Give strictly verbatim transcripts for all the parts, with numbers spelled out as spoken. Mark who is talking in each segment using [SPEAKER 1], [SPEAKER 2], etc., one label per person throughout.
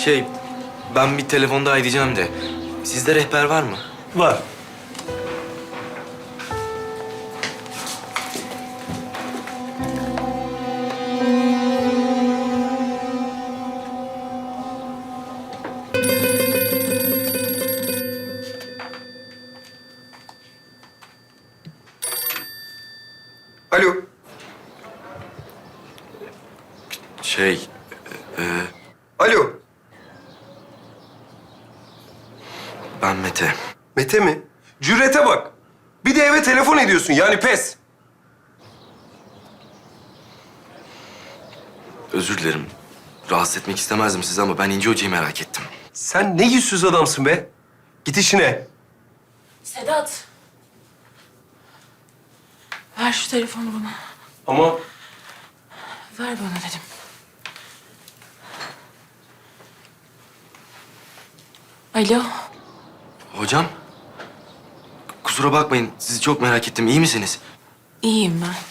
[SPEAKER 1] Şey, ben bir telefonda edeceğim de. Sizde rehber var mı?
[SPEAKER 2] Var.
[SPEAKER 3] Alo.
[SPEAKER 1] Şey, e,
[SPEAKER 3] Alo.
[SPEAKER 1] ben Mete.
[SPEAKER 3] Mete mi? Cürete bak. Bir de eve telefon ediyorsun yani pes.
[SPEAKER 1] Özür dilerim. Rahatsız etmek istemezdim sizi ama ben İnci Hoca'yı merak ettim.
[SPEAKER 3] Sen ne yüzsüz adamsın be. Git işine.
[SPEAKER 4] Sedat. Ver şu telefonu bana.
[SPEAKER 3] Ama
[SPEAKER 4] Ver bana dedim. Alo.
[SPEAKER 1] Hocam, kusura bakmayın. Sizi çok merak ettim. İyi misiniz?
[SPEAKER 4] İyiyim ben.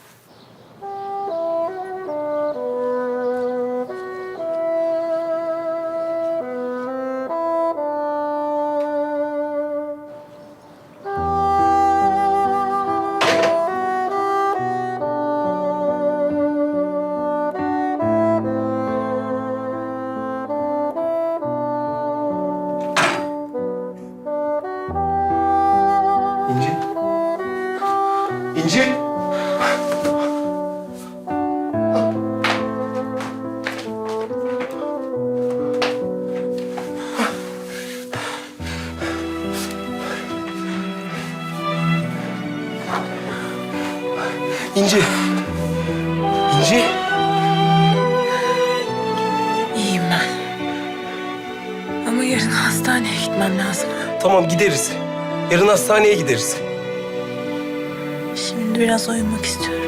[SPEAKER 3] İnci. İnci. İnci. İnci.
[SPEAKER 4] İyiyim ben. Ama yarın hastaneye gitmem lazım.
[SPEAKER 3] Tamam gideriz. Yarın hastaneye gideriz.
[SPEAKER 4] Şimdi biraz uyumak istiyorum.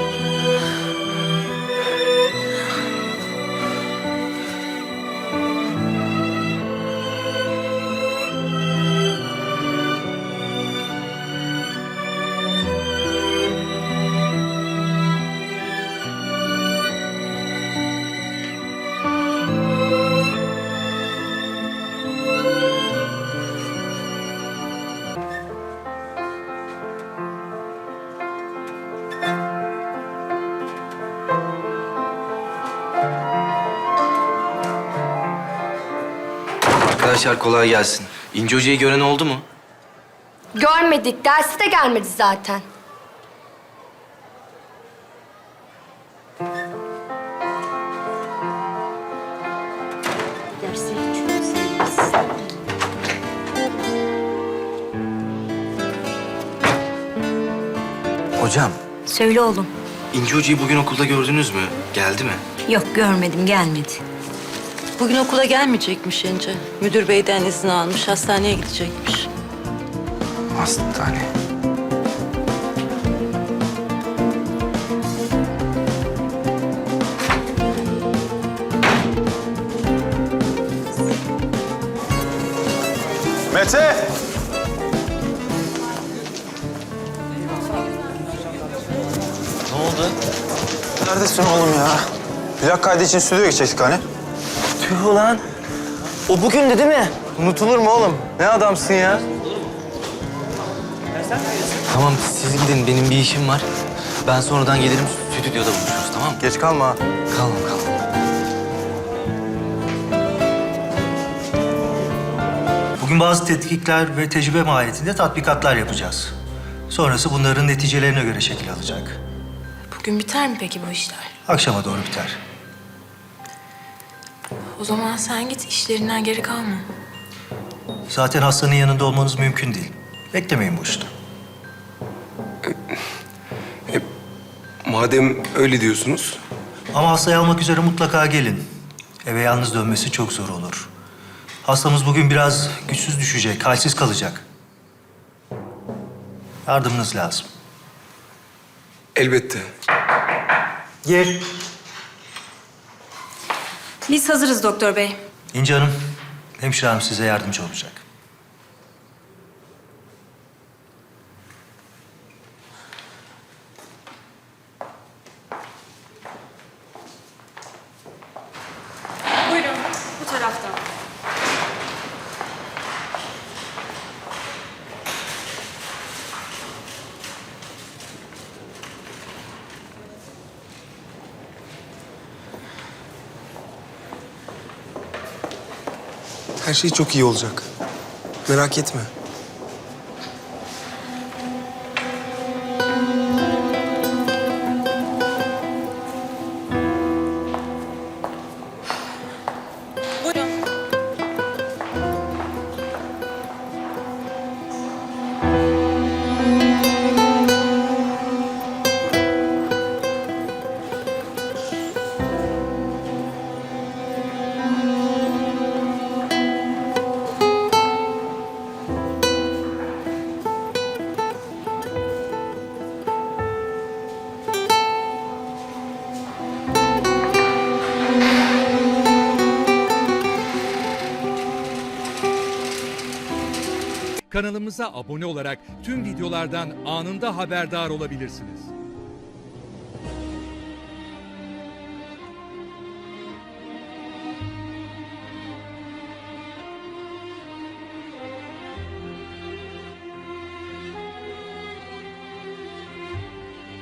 [SPEAKER 1] Arkadaşlar kolay gelsin. İnci Hoca'yı gören oldu mu?
[SPEAKER 5] Görmedik. Dersi de gelmedi zaten.
[SPEAKER 1] Hocam,
[SPEAKER 6] Söyle oğlum.
[SPEAKER 1] İnci Hoca'yı bugün okulda gördünüz mü? Geldi mi?
[SPEAKER 6] Yok görmedim, gelmedi.
[SPEAKER 7] Bugün okula gelmeyecekmiş Ence. Müdür beyden izin almış, hastaneye gidecekmiş.
[SPEAKER 1] Hastane.
[SPEAKER 2] Mete!
[SPEAKER 1] Ne oldu?
[SPEAKER 8] Neredesin oğlum ya? Plak kaydı için stüdyoya gidecektik hani.
[SPEAKER 9] Tüh ulan. O bugündü değil mi? Unutulur mu oğlum? Ne adamsın ya?
[SPEAKER 1] Tamam, siz gidin. Benim bir işim var. Ben sonradan gelirim. Stüdyoda buluşuruz, tamam mı?
[SPEAKER 8] Geç kalma. ha.
[SPEAKER 1] Kalmam, kalmam.
[SPEAKER 2] Bugün bazı tetkikler ve tecrübe mahiyetinde tatbikatlar yapacağız. Sonrası bunların neticelerine göre şekil alacak.
[SPEAKER 4] Bugün biter mi peki bu işler?
[SPEAKER 2] Akşama doğru biter.
[SPEAKER 4] O zaman sen git, işlerinden geri kalma.
[SPEAKER 2] Zaten hastanın yanında olmanız mümkün değil. Beklemeyin boşuna.
[SPEAKER 3] Madem öyle diyorsunuz.
[SPEAKER 2] Ama hastayı almak üzere mutlaka gelin. Eve yalnız dönmesi çok zor olur. Hastamız bugün biraz güçsüz düşecek, halsiz kalacak. Yardımınız lazım.
[SPEAKER 3] Elbette.
[SPEAKER 2] Gel.
[SPEAKER 6] Biz hazırız doktor bey.
[SPEAKER 2] İnci Hanım, hemşire hanım size yardımcı olacak.
[SPEAKER 5] Buyurun, bu tarafta.
[SPEAKER 10] Her şey çok iyi olacak. Merak etme.
[SPEAKER 11] Kanalımıza abone olarak tüm videolardan anında haberdar olabilirsiniz.